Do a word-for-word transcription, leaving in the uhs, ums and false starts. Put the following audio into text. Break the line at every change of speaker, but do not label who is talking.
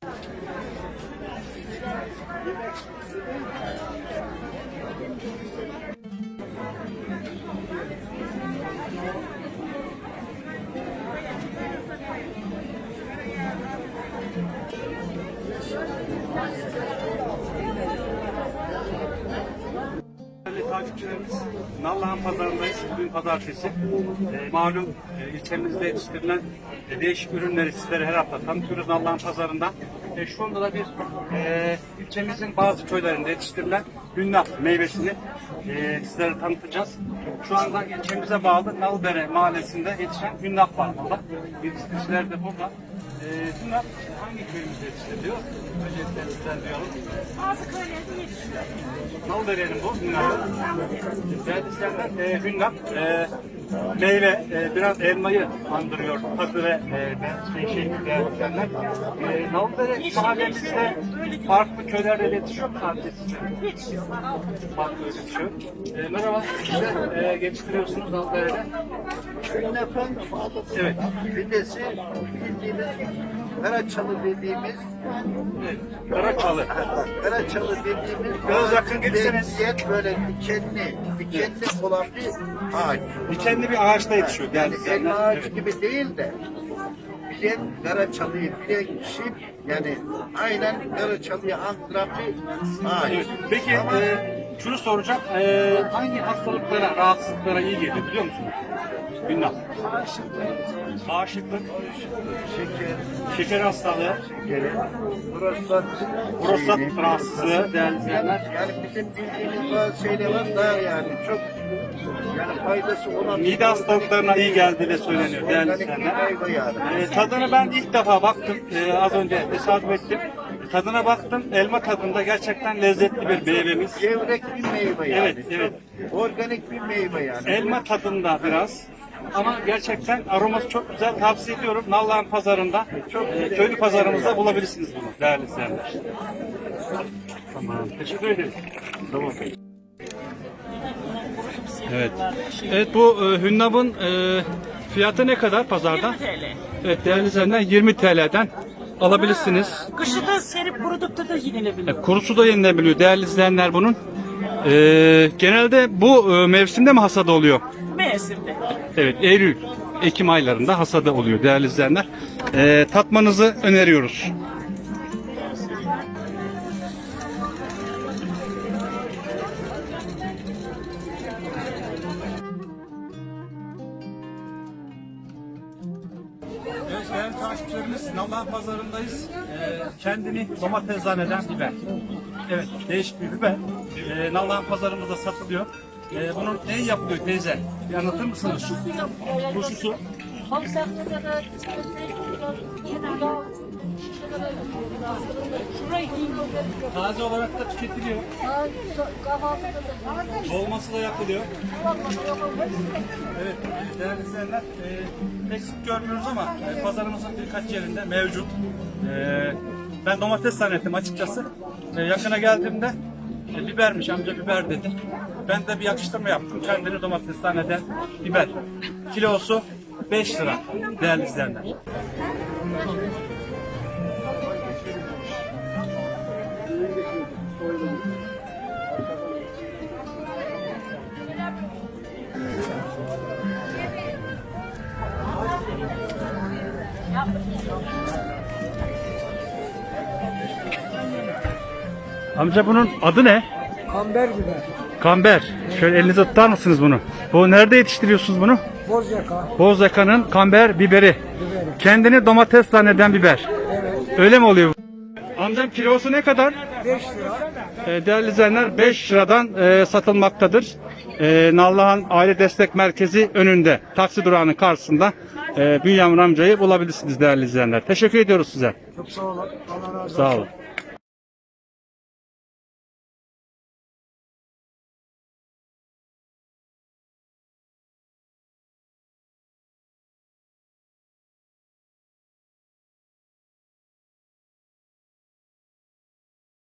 Değerli takipçilerimiz, Nallıhan Pazarı'ndayız. Bugün pazartesi. E, malum e, ilçemizde yetiştirilen e, değişik ürünleri sizlere her hafta tanıtıyoruz Nallıhan Pazarı'nda. E, şu anda da bir e, ilçemizin bazı köylerinde yetiştirilen hünnap meyvesini e, sizlere tanıtacağız. Şu anda ilçemize bağlı Nalbere mahallesinde yetişen hünnap var burada. Yetiştiriciler de burada. E, hünnap hangi köyümüzde yetiştiriliyor? Öncelikle sizler duyalım.
Bazı köylerde yetişiyor.
Nalbere'nin bu hünnapı. Değerli izleyenler, e, hünnap e, meyve, e, biraz elmayı andırıyor tadı ve e, şey, şey değerli izleyenler. E, Nalbere mahallemizde farklı köylerde yetişiyor mu sadece sizce?
Yetişiyor.
Farklı yetişiyor. E, merhaba, siz de e, yetiştiriyorsunuz Nalbere'de.
Hünnap'ın
Evet.
fidesi bildiğimiz Karaçalı dediğimiz
Evet. Karaçalı.
Karaçalı dediğimiz
Biraz yakın gelirseniz.
benzeyen böyle dikenli, dikenli olan bir ağaç.
Dikenli bir ağaçta yetişiyor değerli
Yani
izleyenler.
elma ağacı
Evet.
gibi değil de bilen Karaçalı'yı bilen kişi yani aynen Karaçalı'yı andıran bir ağaç.
Evet. Peki
Ama
e, şunu soracağım. E, hangi hastalıklara, rahatsızlıklara iyi geliyor biliyor musunuz? Hünnap. Bağışıklık,
şeker,
şeker hastalığı,
şekeri, prostat,
prostat
şeyini-
rahatsızlığı değerli izleyenler.
Yani bizim bildiğimiz bazı şeyler var daha yani çok yani faydası olan
Mide hastalıklarına iyi geldiği de söyleniyor değerli
organik bir
izleyenler.
meyve yani.
E, tadını ben ilk defa baktım. E, az önce tesadüf ettim. Tadına baktım. Elma tadında gerçekten lezzetli bir meyvemiz.
Gevrek bir meyve yani.
Evet, evet.
Çok organik bir meyve yani.
Elma tadında biraz. Ama gerçekten aroması çok güzel. Tavsiye ediyorum. Nallıhan Pazarı'nda, e, köylü pazarımızda bulabilirsiniz bunu değerli izleyenler. Tamam. Teşekkür ederiz. Tamam. Evet. Evet bu e, hünnapın e, fiyatı ne kadar pazarda?
yirmi TL.
Evet değerli izleyenler yirmi T L'den alabilirsiniz.
Kışı da serip kurudukta da yenilebiliyor.
E, kurusu da yenilebiliyor değerli izleyenler bunun. E, genelde bu e, mevsimde mi hasadı oluyor?
Mevsimde.
Evet, Eylül, Ekim aylarında hasadı oluyor değerli izleyenler. Ee, tatmanızı öneriyoruz. Evet, değerli takipçilerimiz, Nallıhan Pazarı'ndayız. Ee, kendini domates zanneden biber. Evet, değişik bir biber. Ee, Nallıhan Pazarımızda satılıyor. Ee, bunun ne yapılıyor teyze? Bir anlatır mısınız? Turşusu. Taze olarak da tüketiliyor. Dolması da yapılıyor. Evet, değerli izleyenler, e, eksik görmüyoruz ama e, pazarımızın birkaç yerinde mevcut. E, ben domates zannettim açıkçası. E, yakına geldiğimde e, bibermiş, amca biber dedi. Ben de bir yakıştırma yaptım. Kendini domates zanneden biber. Kilosu beş lira değerli izleyenler. Amca bunun adı ne?
Kamber biber,
Kamber. Şöyle elinize tutar mısınız bunu? Bu nerede yetiştiriyorsunuz bunu?
bozyaka,
Bozyaka'nın kamber biberi.
biberi.
Kendini domates zanneden biber.
Evet,
Öyle mi oluyor? Amcam kilosu ne kadar?
beş lira.
E, değerli izleyenler beş liradan e, satılmaktadır. E, Nallıhan Aile Destek Merkezi önünde taksi durağının karşısında e, Bünyamin amcayı bulabilirsiniz değerli izleyenler. Teşekkür ediyoruz size.
Çok sağ olun. Allah razı olsun.
Sağ olun.